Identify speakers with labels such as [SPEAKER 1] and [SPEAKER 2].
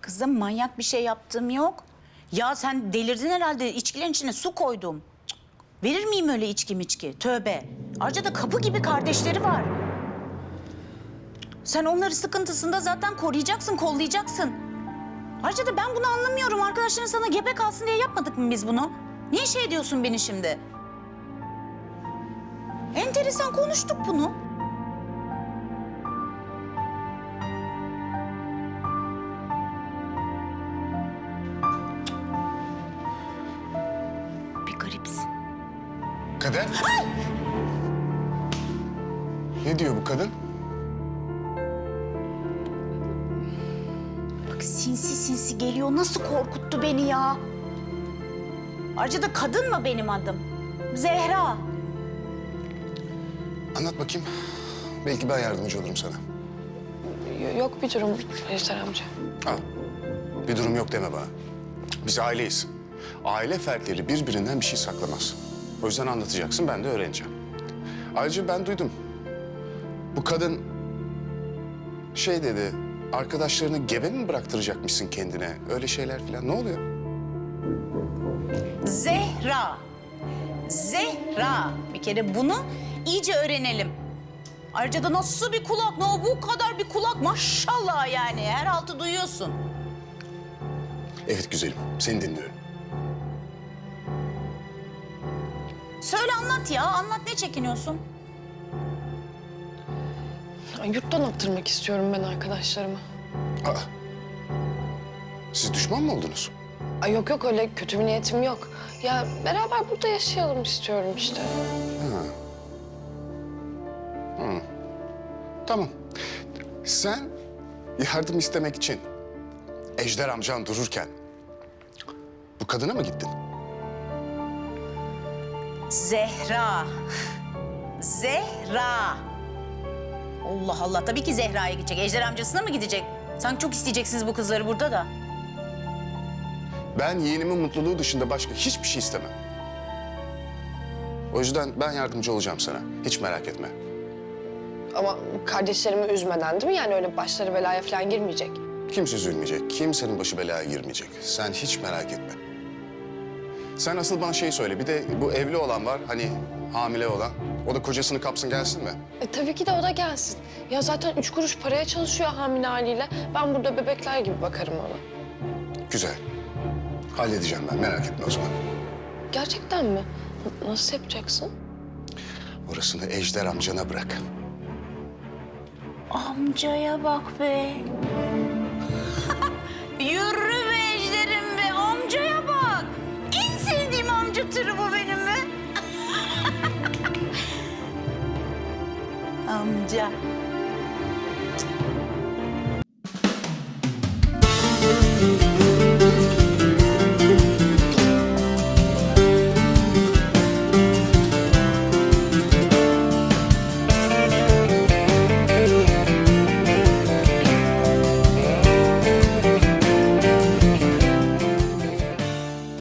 [SPEAKER 1] Kızım manyak bir şey yaptığım yok. Ya sen delirdin herhalde. İçkilerin içine su koydum. Cık, verir miyim öyle içki? Tövbe. Ayrıca da kapı gibi kardeşleri var. Sen onları sıkıntısında zaten koruyacaksın, kollayacaksın. Ayrıca da ben bunu anlamıyorum. Arkadaşların sana gebe kalsın diye yapmadık mı biz bunu? Niye şey ediyorsun beni şimdi? Enteresan konuştuk bunu. Bir garipsin.
[SPEAKER 2] Kader. Ne diyor bu kadın?
[SPEAKER 1] Bak sinsi sinsi geliyor. Nasıl korkuttu beni ya? Ayrıca da kadın mı benim adım? Zehra.
[SPEAKER 2] Anlat bakayım. Belki ben yardımcı olurum sana.
[SPEAKER 3] Yok bir durum Ejder amca.
[SPEAKER 2] Al. Bir durum yok deme bana. Biz aileyiz. Aile fertleri birbirinden bir şey saklamaz. O yüzden anlatacaksın, ben de öğreneceğim. Ayrıca ben duydum. Bu kadın şey dedi, arkadaşlarını gebe mi bıraktıracakmışsın kendine? Öyle şeyler falan. Ne oluyor?
[SPEAKER 1] Zehra. Zehra. Bir kere bunu iyice öğrenelim. Ayrıca da nasıl bir kulak? Ne o bu kadar bir kulak? Maşallah yani. Her altı duyuyorsun.
[SPEAKER 2] Evet güzelim, seni dinliyorum.
[SPEAKER 1] Söyle anlat ya. Anlat, ne çekiniyorsun?
[SPEAKER 3] Yurttan attırmak istiyorum ben arkadaşlarımı.
[SPEAKER 2] Aa, siz düşman mı oldunuz?
[SPEAKER 3] Ay yok öyle kötü bir niyetim yok. Ya beraber burada yaşayalım istiyorum işte.
[SPEAKER 2] Tamam. Sen yardım istemek için Ejder amcan dururken bu kadına mı gittin?
[SPEAKER 1] Zehra. Zehra. Allah Allah. Tabii ki Zehra'ya gidecek. Ejder amcasına mı gidecek? Sanki çok isteyeceksiniz bu kızları burada da.
[SPEAKER 2] Ben yeğenimin mutluluğu dışında başka hiçbir şey istemem. O yüzden ben yardımcı olacağım sana. Hiç merak etme.
[SPEAKER 3] Ama kardeşlerimi üzmeden değil mi? Yani öyle başları belaya falan girmeyecek.
[SPEAKER 2] Kimse üzülmeyecek, kimsenin başı belaya girmeyecek. Sen hiç merak etme. Sen asıl bana şey söyle, bir de bu evli olan var, hani hamile olan. O da kocasını kapsın gelsin mi?
[SPEAKER 3] Tabii ki de o da gelsin. Ya zaten 3 kuruş paraya çalışıyor hamile haliyle. Ben burada bebekler gibi bakarım ona.
[SPEAKER 2] Güzel. Halledeceğim ben, merak etme o zaman.
[SPEAKER 3] Gerçekten mi? Nasıl yapacaksın?
[SPEAKER 2] Orasını Ejder amcana bırak.
[SPEAKER 1] Amcaya bak be. Yürü be Ejder'im be. Amcaya bak. En sevdiğim amca türü bu benim be. Amca.